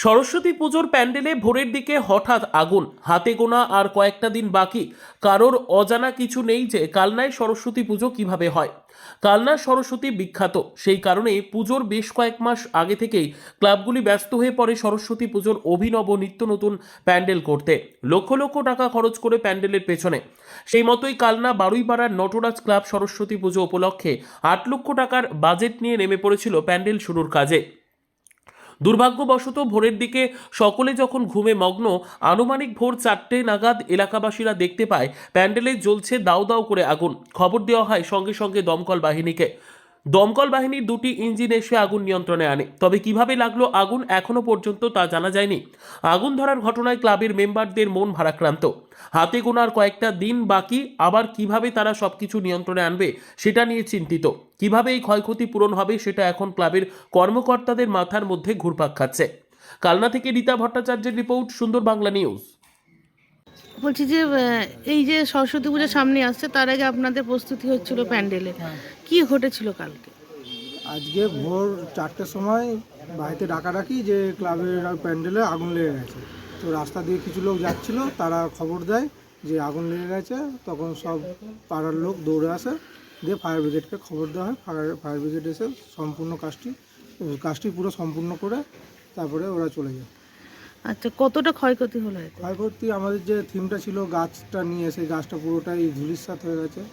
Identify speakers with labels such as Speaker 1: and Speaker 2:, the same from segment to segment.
Speaker 1: সরস্বতী পুজোর প্যান্ডেলে ভোরের দিকে হঠাৎ আগুন, হাতে গোনা আর কয়েকটা দিন বাকি। কারোর অজানা কিছু নেই যে কালনায় সরস্বতী পুজো কিভাবে হয়। কালনার সরস্বতী বিখ্যাত, সেই কারণে পুজোর বেশ কয়েক মাস আগে থেকেই ক্লাবগুলি ব্যস্ত হয়ে পড়ে সরস্বতী পুজোর অভিনব নিত্য নতুন প্যান্ডেল করতে, লক্ষ লক্ষ টাকা খরচ করে প্যান্ডেলের পেছনে। সেই মতোই কালনা বারুইপাড়ার নটরাজ ক্লাব সরস্বতী পুজো উপলক্ষে ৮ লক্ষ টাকার বাজেট নিয়ে নেমে পড়েছিল প্যান্ডেল শুরুর কাজে। দুর্ভাগ্যবশত ভোরের দিকে সকলে যখন ঘুমে মগ্ন, আনুমানিক ভোর 4টে নাগাদ এলাকাবাসীরা দেখতে পায় প্যান্ডেলে জ্বলছে দাউ দাউ করে আগুন। খবর দেওয়া হয় সঙ্গে সঙ্গে দমকল বাহিনীকে। দমকল বাহিনীর 2টি ইঞ্জিন এসে আগুন নিয়ন্ত্রণে আনে, তবে কিভাবে লাগলো আগুন এখনো পর্যন্ত তা জানা যায়নি। আগুন ধরার ঘটনায় ক্লাবের মেম্বারদের মন ভারাক্রান্ত। হাতে গোনার কয়েকটা দিন বাকি, আবার কিভাবে তারা সবকিছু নিয়ন্ত্রণে আনবে সেটা নিয়ে চিন্তিত। কিভাবে এই ক্ষয়ক্ষতি পূরণ হবে সেটা এখন ক্লাবের কর্মকর্তাদের মাথার মধ্যে ঘুরপাক খাচ্ছে। কালনা থেকে রীতা ভট্টাচার্যের রিপোর্ট, সুন্দর বাংলা নিউজ।
Speaker 2: বলছি যে এই যে সরস্বতী পূজা সামনে আসছে, তার আগে আপনাদের প্রস্তুতি হচ্ছিল প্যান্ডেলে, কি ঘটেছিল কালকে?
Speaker 3: আজকে ভোর 4টের সময় বাড়িতে ডাকাডাকি যে ক্লাবের প্যান্ডেলে আগুন লেগে গেছে। তো রাস্তা দিয়ে কিছু লোক যাচ্ছিল, তারা খবর দেয় যে আগুন লেগে গেছে। তখন সব পাড়ার লোক দৌড়ে আসে, দিয়ে ফায়ার ব্রিগেডকে খবর দেওয়া হয়। ফায়ার ব্রিগেড এসে সম্পূর্ণ কাজটি পুরো সম্পূর্ণ করে তারপরে ওরা চলে যায়।
Speaker 2: আচ্ছা, কতটা ক্ষয়ক্ষতি হলো এতে?
Speaker 3: ক্ষয়ক্ষতি আমাদের যে থিমটা ছিল গাছটা নিয়ে, সেই গাছটা পুরোটাই ধূলিসাৎ হয়ে গেছে।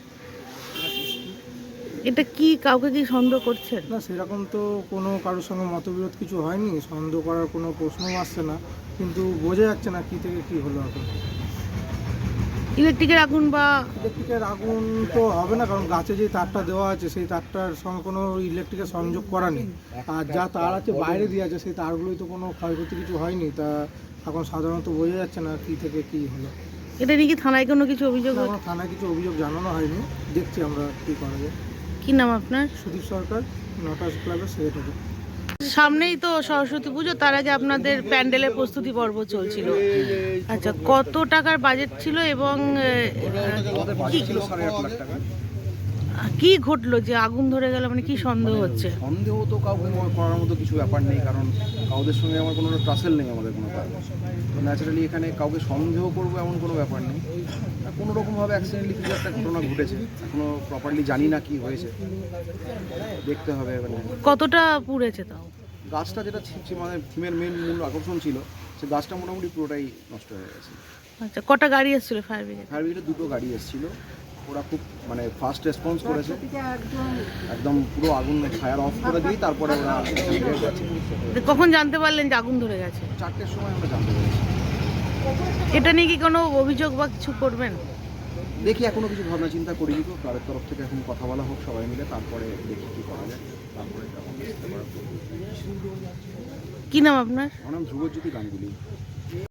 Speaker 2: এটা কি কাউকে কি সন্দেহ করছেন?
Speaker 3: না, সেরকম তো কোনো কারোর সঙ্গে মতবিরোধ কিছু হয়নি, সন্দেহ করার কোনো প্রশ্নও আসছে না, কিন্তু বোঝা যাচ্ছে না কী থেকে কী হলো। এখন
Speaker 2: ইলেকট্রিকের আগুন বা
Speaker 3: ইলেকট্রিকের আগুন তো হবে না, কারণ গাছে যে তারটা দেওয়া আছে সেই তারটার সঙ্গে কোনো ইলেকট্রিকের সংযোগ করা নেই। আর যা তার আছে বাইরে দিয়ে আছে, সেই তারগুলোই তো কোনো ক্ষয়ক্ষতি কিছু হয়নি। তা এখন সাধারণত বোঝা যাচ্ছে না কী থেকে কী হলো।
Speaker 2: এটা নিয়ে কি থানায় কোনো কিছু অভিযোগ?
Speaker 3: এখনো থানায় কিছু অভিযোগ জানানো হয়নি, দেখছি আমরা কী করা যায়।
Speaker 2: কি নাম আপনার?
Speaker 3: সুদীপ সরকার, নটরাজ ক্লাবের সেক্রেটারি।
Speaker 2: সামনেই তো সরস্বতী পুজো, তার আগে আপনাদের প্যান্ডেলের প্রস্তুতি পর্ব চলছিল। আচ্ছা, কত টাকার বাজেট ছিল এবং কি ঘটলো যে আগুন ধরে গেল? মানে কি সন্দেহ হচ্ছে?
Speaker 4: সন্দেহ তো কাউকে করার মতো কিছু ব্যাপার নেই, কারণ কাউদের সঙ্গে আমার কোনো ট্রাসেল নেই, আমাদের কোনো কাজ। তো ন্যাচারালি এখানে কাউকে সন্দেহ করবো এমন কোনো ব্যাপার নেই। কোনো রকমভাবে অ্যাক্সিডেন্টলি কিছু একটা ঘটনা ঘটেছে, এখনও প্রপারলি জানি না কি হয়েছে, দেখতে হবে। এবার
Speaker 2: কতটা পুড়েছে তাও?
Speaker 4: গাছটা যেটা আমাদের থিমের মূল আকর্ষণ ছিল, সে গাছটা মোটামুটি পুরোটাই নষ্ট হয়ে গেছে।
Speaker 2: আচ্ছা, কটা গাড়ি এসেছিল ফায়ার ব্রিগেড?
Speaker 4: ফায়ার ব্রিগেডের 2টো গাড়ি এসেছিল, ওরা খুব ফাস্ট রেসপন্স করেছে, একদম পুরো আগুন ফায়ার অফ করে দিয়ে তারপরে ওরা গেছে।
Speaker 2: কখন জানতে পারলেন যে আগুন ধরে গেছে?
Speaker 4: 4টের সময় আমরা জানতে পেরেছি।
Speaker 2: এটা নিয়ে কি কোনো অভিযোগ বা কিছু করবেন?
Speaker 4: দেখি, এখনো কিছু ভাবনা চিন্তা করিনি, তো ক্লাবের তরফ থেকে এখন কথা বলা হোক সবাই মিলে, তারপরে দেখি কী করা যায়। তারপরে
Speaker 2: কি নাম আপনার?
Speaker 4: আমার নাম ধ্রুবজ্যোতি গাঙ্গুলি।